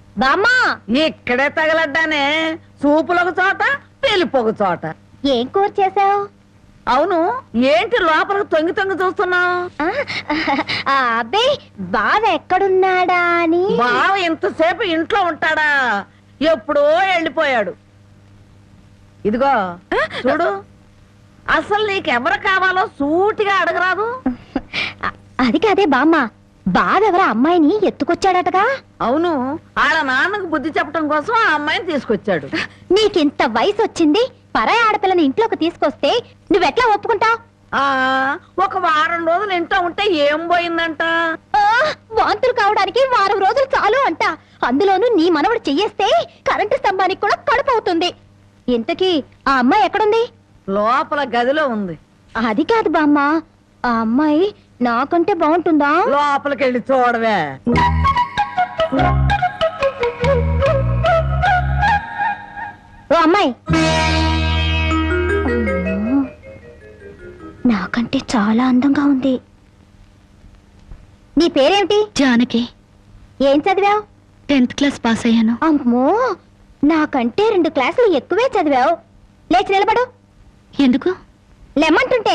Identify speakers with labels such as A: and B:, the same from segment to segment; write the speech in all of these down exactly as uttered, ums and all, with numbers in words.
A: బామ్మా
B: ఇక్కడే తగలడ్డానే, సూపులకు చోట పెళ్లిపోక చోట.
A: ఏం కూర చేసావు?
B: అవును, ఏంటి లోపలికి తొంగి తొంగి చూస్తున్నావు?
A: అబ్బే బావ ఎక్కడున్నాడా అని.
B: బావ ఇంతసేపు ఇంట్లో ఉంటాడా? ఎప్పుడో వెళ్ళిపోయాడు. ఇదిగో చూడు, అసలు నీకెవరు కావాలో సూటిగా అడగరాదు.
A: అది కాదే బామ్మ, బావెవరా అమ్మాయిని ఎత్తుకొచ్చాడటగా?
B: అవును, ఆడ నాన్నకు బుద్ధి చెప్పడం కోసం ఆ అమ్మాయిని తీసుకొచ్చాడు.
A: నీకింత వయసు వచ్చింది, పరాయి ఆడపిల్లని ఇంట్లోకి తీసుకొస్తే నువ్వెట్లా ఒప్పుకుంటావు?
B: ఆ ఒక వారం రోజులు ఇంట్లో ఉంటే ఏం పోయిందంట?
A: వాంతులు కావడానికి వారం రోజులు చాలు అంట. అందులోనూ నీ మనవడు చెయ్యేస్తే కరెంటు స్తంభానికి కూడా కడుపు అవుతుంది. ఇంతకీ ఆ అమ్మాయి ఎక్కడుంది?
B: లోపల గదిలో ఉంది.
A: అది కాదు బామ్మ, ఆ అమ్మాయి నాకంటే బాగుంటుందా?
B: లోపలికి వెళ్ళి చూడవే.
A: ఓ అమ్మాయి, నాకంటే చాలా అందంగా ఉంది. నీ పేరేమిటి?
C: జానకి.
A: ఏం చదివావు?
C: టెన్త్ క్లాస్ పాస్ అయ్యాను.
A: అమ్మో, నాకంటే రెండు క్లాసులు ఎక్కువే చదివావు. లేచి నిలబడు.
C: ఎందుకు?
A: లెమ్మంటుంటే.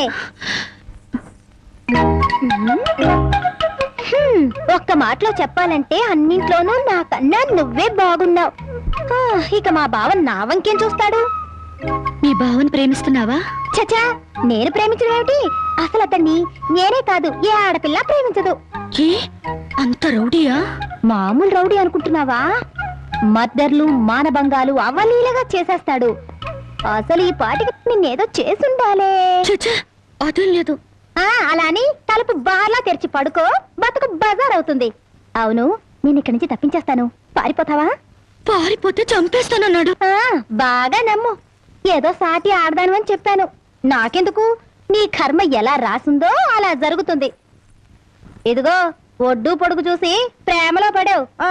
A: హ్మ్, ఒక్క మాటలో చెప్పాలంటే అన్నింట్లోనూ నాకన్నా నువ్వే బాగున్నావు. ఆ, ఇక మా బావ నా వంకేం చూస్తాడు?
C: మీ బావని ప్రేమిస్తున్నావా?
A: చచా, నేను ప్రేమించడం ఏమిటి? అసలు అతన్ని నేనే కాదు, ఏ ఆడపిల్ల ప్రేమించదు.
C: ఏ అంత రౌడీయా?
A: మామూలు రౌడీ అనుకుంటున్నావా? మద్దర్లు మానభంగాలు అవలీలగా చేసేస్తాడు. అసలు ఈ పాటికి నిన్నేదో చేసుండాలే.
C: చచ్చా, అదేం లేదు.
A: ఆ అలా అని తలుపు బార్లా తెరిచి పడుకో, బతుకు బజార్ అవుతుంది. అవును, నేను ఇక్కడి నుంచి తప్పించేస్తాను, పారిపోతావా?
C: పారిపోతే చంపేస్తానన్నాడు.
A: ఆ బాగా నమ్ము, ఏదో సాటి ఆడదాను అని చెప్పాను. నాకెందుకు, నీ కర్మ ఎలా రాసిందో అలా జరుగుతుంది. ఇదిగో ఒడ్డు పొడుగు చూసి ప్రేమలో పడావు. ఆ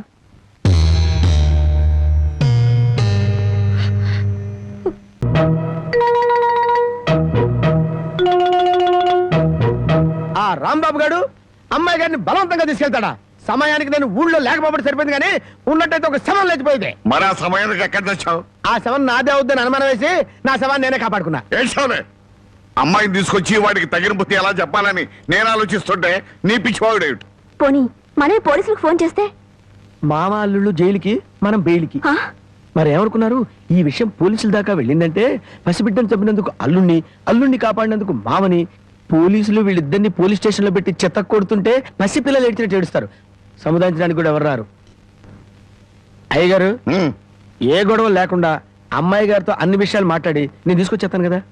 D: ఆ రాంబాబు గారు అమ్మాయి గారిని బలవంతంగా తీసుకెళ్తాడా? సమయానికి నేను ఊళ్ళో లేకపోతే సరిపోయింది, కానీ ఉన్నట్టయితే ఒక శవం లేచిపోయింది.
E: మరి ఆ సమయానికి ఎక్కడ తెచ్చావు?
D: ఆ శవం నాదే అవుద్దని అనుమానం వేసి నా శవాన్ని నేనే కాపాడుకున్నా.
E: ఏడ్చావులే. అమ్మాయిని తీసుకొచ్చి వాడికి తగిన బుద్ధి ఎలా చెప్పాలని నేను ఆలోచిస్తుంటే నీ పిచ్చివాడేమిటి?
A: పోనీ మనమే పోలీసులకు ఫోన్ చేస్తే?
D: మామ అల్లుళ్ళు జైలుకి, మనం బెయిల్కి. మరి ఏమనుకున్నారు? ఈ విషయం పోలీసుల దాకా వెళ్ళిందంటే పసిబిడ్డను చంపినందుకు అల్లుణ్ణి, అల్లుణ్ణి కాపాడినందుకు మామని, పోలీసులు వీళ్ళిద్దరిని పోలీస్ స్టేషన్ లో పెట్టి చెత్త కొడుతుంటే పసిపిల్లలు ఏడ్చినట్టు ఏడుస్తారు. సముదాయించడానికి కూడా ఎవరు రారు. అయ్యగారు, ఏ గొడవ లేకుండా అమ్మాయి గారితో అన్ని విషయాలు మాట్లాడి నేను తీసుకొచ్చేస్తాను కదా.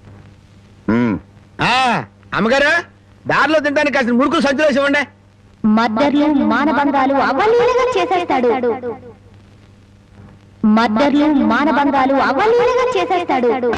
D: అమ్మగారు, దారిలో తింటానికి కాసిన ముడుకులు సంచులు వేసి ఇవ్వండి.
A: మద్దర్లు మానభంగాలు అవలీలగా చేసేస్తాడు. మద్దర్లు మానభంగాలు అవలీలగా చేసేస్తాడు.